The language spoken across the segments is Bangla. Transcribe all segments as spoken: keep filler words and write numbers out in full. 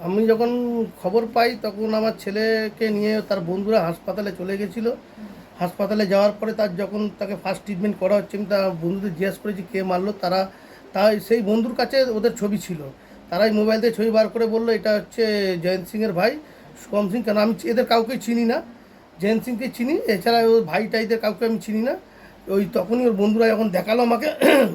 আমি যখন খবর পাই তখন আমার ছেলেকে নিয়ে তার বন্ধুরা হাসপাতালে চলে গেছিলো। হাসপাতালে যাওয়ার পরে তার যখন তাকে ফার্স্ট ট্রিটমেন্ট করা হচ্ছে, আমি তার বন্ধুদের জিজ্ঞেস করেছি কে মারলো। তারা তাই সেই বন্ধুর কাছে ওদের ছবি ছিল, তারাই মোবাইল থেকে ছবি বার করে বললো এটা হচ্ছে জয়ন্ত সিংয়ের ভাই শুভম সিং। কেন আমি এদের কাউকে চিনি না, জয়ন্ত সিংকে চিনি, এছাড়া ওর ভাই টাইদের কাউকে আমি চিনি না। ওই তখনই ওর বন্ধুরা যখন দেখালো আমাকে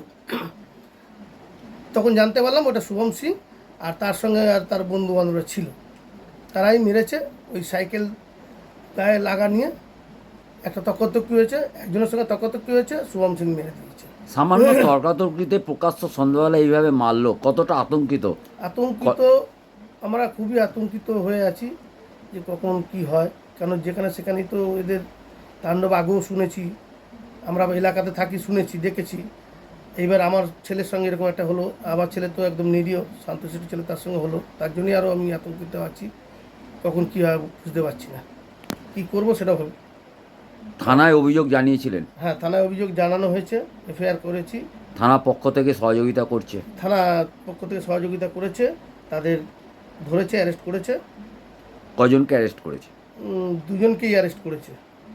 তখন জানতে পারলাম ওটা শুভম সিং আর তার সঙ্গে আর তার বন্ধু বান্ধবরা ছিল, তারাই মেরেছে। ওই সাইকেল গায়ে লাগা নিয়ে একটা তর্কতর্কি হয়েছে, একজনের সঙ্গে তর্কতর্কি হয়েছে, শুভম সিং মেরে দিয়েছে। সামান্য তর্কাতর্কিতে প্রকাশ্য সন্ধ্যাবেলা এইভাবে মারলো, কতটা আতঙ্কিত? আতঙ্কিত, আমরা খুবই আতঙ্কিত হয়ে আছি যে কখন কি হয়, কেন যেখানে সেখানেই তো এদের তাণ্ডব আগেও শুনেছি, আমরা এলাকাতে থাকি, শুনেছি, দেখেছি। এইবার আমার ছেলের সঙ্গে এরকম একটা হলো, আমার ছেলে তো একদম নিরীহ শান্তশিষ্ট ছেলে, তার সঙ্গে হলো, তার জন্যই আরও আমি আতঙ্কিত আছি। কখন কী হয় বুঝতে পারছি না, কী করবো সেটা হবে। থানায় অভিযোগ জানিয়েছিলেন? হ্যাঁ, থানায় অভিযোগ জানানো হয়েছে, এফআইআর করেছি। থানা পক্ষ থেকে সহযোগিতা করছে? থানা পক্ষ থেকে সহযোগিতা করেছে, তাদের ধরেছে, অ্যারেস্ট করেছে। কজনকে অ্যারেস্ট করেছে? উম, দুজনকেই অ্যারেস্ট করেছে।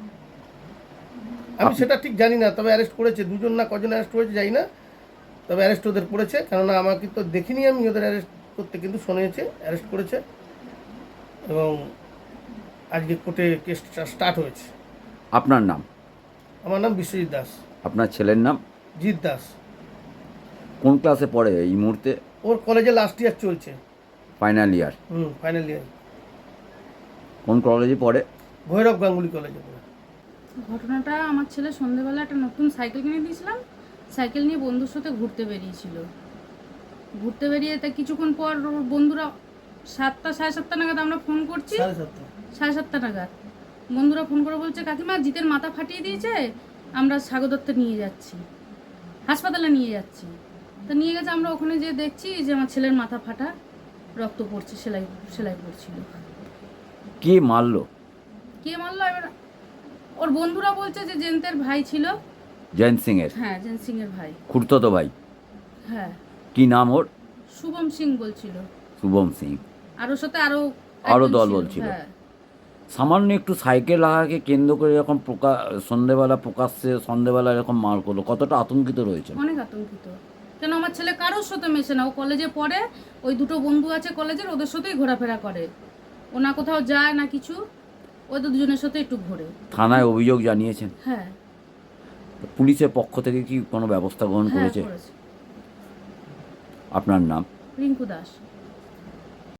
আমি আপ- সেটা ঠিক জানি না, তবে অ্যারেস্ট করেছে, দুজন না কজন অ্যারেস্ট করেছে জানি না, তবে অ্যারেস্ট ওদের করেছে। কেননা আমাকে তো দেখিনি আমি ওদের অ্যারেস্ট করতে, কিন্তু শুনেছে অ্যারেস্ট করেছে এবং আজকে কোর্টে কেসটা স্টার্ট হয়েছে। আপনার নাম? আমার নাম বিশ্বজিৎ দাস। আপনার ছেলের নাম? জিৎ দাস। কোন ক্লাসে পড়ে এই মুহূর্তে? ওর কলেজে লাস্ট ইয়ার চলছে। Final year? Hmm, final year. কোন কলেজে পড়ে? ভৈরব গাঙ্গুলি কলেজে পড়ে। ঘটনাটা, আমার ছেলে সন্ধেবেলা একটা নতুন সাইকেল কিনে দিয়েছিলাম, সাইকেল নিয়ে বন্ধুর সাথে ঘুরতে বেরিয়েছিল। ঘুরতে বেরিয়ে তা কিছুক্ষণ পর ওর বন্ধুরা সাতটা সাড়ে সাতটা নাগাদ আমরা ফোন করছি, সাড়ে সাতটা সাড়ে সাতটা নাগাদ বন্ধুরা ফোন করে বলছে কাকিমা জিতের মাথা ফাটিয়ে দিয়েছে, আমরা সাগরদত্তে নিয়ে যাচ্ছি, হাসপাতালে নিয়ে যাচ্ছি। তা নিয়ে গেছে, আমরা ওখানে যেয়ে দেখছি যে আমার ছেলের মাথা ফাটা, রক্ত পড়ছে, সেলাই সেলাই পড়ছিল। কে মারলো? কে মারলো এবার ওর বন্ধুরা বলছে যে জয়ন্তের ভাই ছিল। জয়ন্ত সিং এর? হ্যাঁ, জয়ন্ত সিং এর ভাই। খুড়তো ভাই? হ্যাঁ। কি নাম ওর? শুভম সিং বলছিল, শুভম সিং। আর ওর সাথে আরো আরো একজন দল ছিল। বলছিল? হ্যাঁ। সামান্য একটু সাইকেল লাগাকে কেন্দ্র করে এরকম প্রকাশ, সন্ধেবেলা প্রকাশ্যে সন্ধেবেলা এরকম মার করলো, কতটা আতঙ্কিত রয়েছে? অনেক আতঙ্কিত, কেন আমার ছেলে কারোর সাথে মেশে না, ও কলেজে পড়ে, ওই দুটো বন্ধু আছে কলেজের, ওদের সাথেই ঘোরাফেরা করে, ও না কোথাও যায় না কিছু, ওদের দুজনের সাথে একটু ঘোরে। থানায় অভিযোগ জানিয়েছেন? হ্যাঁ। পুলিশের পক্ষ থেকে কি কোনো ব্যবস্থা গ্রহণ হ্যাঁ, করেছে? করেছে। আপনার নাম? রিঙ্কু দাস।